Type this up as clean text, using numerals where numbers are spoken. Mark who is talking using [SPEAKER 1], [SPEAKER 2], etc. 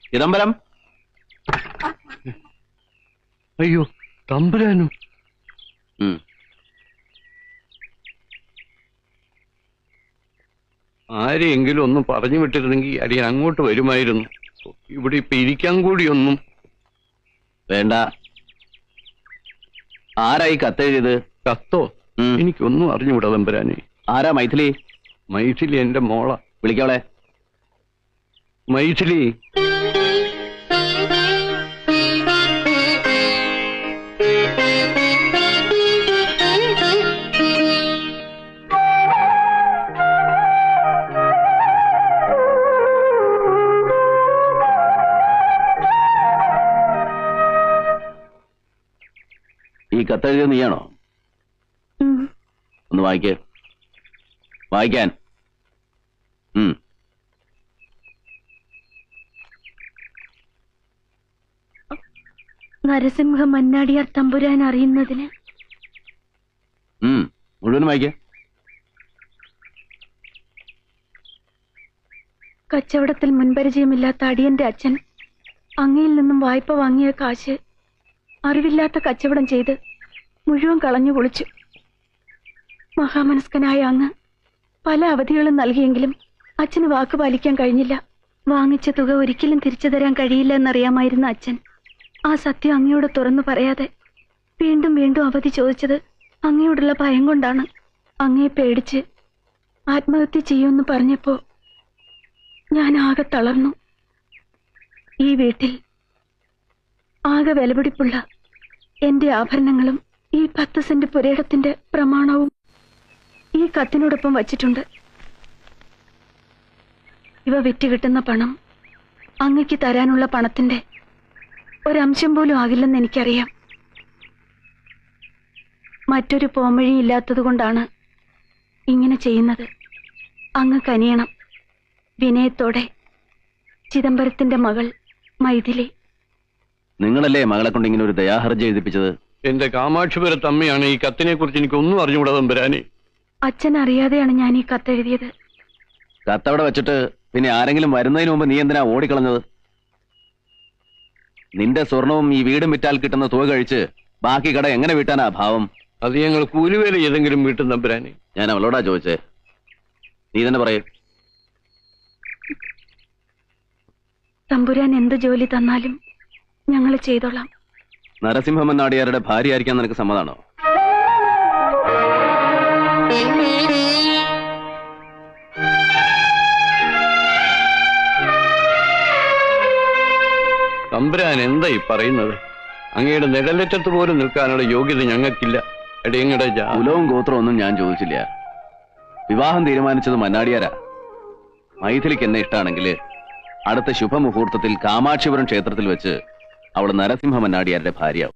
[SPEAKER 1] ചിദംബരം.
[SPEAKER 2] അയ്യോ, തമ്പുരാനും. ആരെയെങ്കിലും ഒന്നും പറഞ്ഞു വിട്ടിരുന്നെങ്കിൽ അടിയൻ അങ്ങോട്ട് വരുമായിരുന്നു. ഇവിടെ ഇപ്പൊ ഇരിക്കാൻ കൂടിയൊന്നും
[SPEAKER 1] വേണ്ട. ആരായി കത്തെഴുതിയത്?
[SPEAKER 2] കത്തോ? എനിക്കൊന്നും അറിഞ്ഞുകൂടാ തമ്പുരാനെ.
[SPEAKER 1] ആരാ മൈഥിലി?
[SPEAKER 2] മൈഥിലി എന്റെ മോള.
[SPEAKER 1] വിളിക്കവളെ.
[SPEAKER 2] മൈഥിലി.
[SPEAKER 1] ഈ കത്തെഴുതിയത് നീയാണോ? ഒന്ന് വായിക്കേ. വായിക്കാൻ.
[SPEAKER 3] നരസിംഹ മന്നാടിയാർ തമ്പുരാൻ അറിയുന്നതിന്.
[SPEAKER 1] മുഴുവൻ വായിക്കേ.
[SPEAKER 3] കച്ചവടത്തിൽ മുൻപരിചയമില്ലാത്ത അടിയന്റെ അച്ഛൻ അങ്ങയിൽ നിന്നും വായ്പ വാങ്ങിയ കാശ് അറിവില്ലാത്ത കച്ചവടം ചെയ്ത് മുഴുവൻ കളഞ്ഞു കുളിച്ചു. മഹാമനസ്കനായ അങ്ങ് പല അവധികളും നൽകിയെങ്കിലും അച്ഛന് വാക്ക് പാലിക്കാൻ കഴിഞ്ഞില്ല. വാങ്ങിച്ച തുക ഒരിക്കലും തിരിച്ചു തരാൻ കഴിയില്ല എന്നറിയാമായിരുന്ന അച്ഛൻ ആ സത്യം അങ്ങയോട് തുറന്നു പറയാതെ വീണ്ടും വീണ്ടും അവധി ചോദിച്ചത് അങ്ങയോടുള്ള ഭയം കൊണ്ടാണ്. അങ്ങയെ പേടിച്ച് ആത്മഹത്യ ചെയ്യുമെന്ന് പറഞ്ഞപ്പോ ഞാൻ ആകെ തളർന്നു. ഈ വീട്ടിൽ ആകെ വിലപിടിപ്പുള്ള എന്റെ ആഭരണങ്ങളും ഈ 10 സെന്റ് പുരയിടത്തിന്റെ പ്രമാണവും ഈ കത്തിനോടൊപ്പം വച്ചിട്ടുണ്ട്. ഇവ വിറ്റ് കിട്ടുന്ന പണം അങ്ങയ്ക്ക് തരാനുള്ള പണത്തിന്റെ ഒരംശം പോലും ആകില്ലെന്ന് എനിക്കറിയാം. മറ്റൊരു പോംവഴിയില്ലാത്തത് കൊണ്ടാണ് ഇങ്ങനെ ചെയ്യുന്നത്. അങ്ങ് കനിയണം. വിനയത്തോടെ, ചിദംബരത്തിന്റെ മകൾ മൈഥിലി.
[SPEAKER 1] നിങ്ങളല്ലേ മകളെ കൊണ്ട് ഇങ്ങനെ ഒരു ദയാഹർജി എഴുതിപ്പിച്ചത്?
[SPEAKER 2] എന്റെ കാമാക്ഷിപുരത്ത് അമ്മയാണ് ഈ കത്തിനെ കുറിച്ച് എനിക്കൊന്നും അറിഞ്ഞുകൂടാ തമ്പുരാനെ.
[SPEAKER 3] അച്ഛൻ അറിയാതെയാണ് ഞാൻ ഈ കത്തെഴുതിയത്.
[SPEAKER 1] കത്തവിടെ വെച്ചിട്ട് പിന്നെ ആരെങ്കിലും വരുന്നതിന് മുമ്പ് നീ എന്തിനാ ഓടിക്കളഞ്ഞത്? നിന്റെ സ്വർണവും ഈ വീടും വിറ്റാൽ കിട്ടുന്ന തുക കഴിച്ച് ബാക്കി കട എങ്ങനെ വീട്ടാനാ ഭാവം?
[SPEAKER 2] അത് ഞങ്ങൾ കൂലിവേല ഏതെങ്കിലും വീട്ടും തമ്പുരാനെ.
[SPEAKER 1] ഞാൻ അവളോടാ ചോദിച്ചേ. നീ തന്നെ പറയേ.
[SPEAKER 3] തമ്പുരാൻ എന്ത് ജോലി തന്നാലും ഞങ്ങൾ ചെയ്തോളാം.
[SPEAKER 1] നരസിംഹ മന്നാടിയാരുടെ ഭാര്യ ആയിരിക്കാൻ നിനക്ക് സമ്മതാണോ?
[SPEAKER 2] തമ്പുരാൻ എന്താ ഈ പറയുന്നത്? അങ്ങയുടെ നിഴലറ്റത്ത് പോലും നിൽക്കാനുള്ള യോഗ്യത ഞങ്ങൾക്കില്ല. എടയങ്ങടെ
[SPEAKER 1] കുലവും ഗോത്രവും ഒന്നും ഞാൻ ചോദിച്ചില്ല. വിവാഹം തീരുമാനിച്ചത് മന്നാടിയാരാ. മൈഥിലിക്ക് എന്നെ ഇഷ്ടമാണെങ്കിൽ അടുത്ത ശുഭമുഹൂർത്തത്തിൽ കാമാക്ഷിപുരം ക്ഷേത്രത്തിൽ വെച്ച് അവൾ നരസിംഹ മന്നാടിയാരുടെ ഭാര്യയാവും.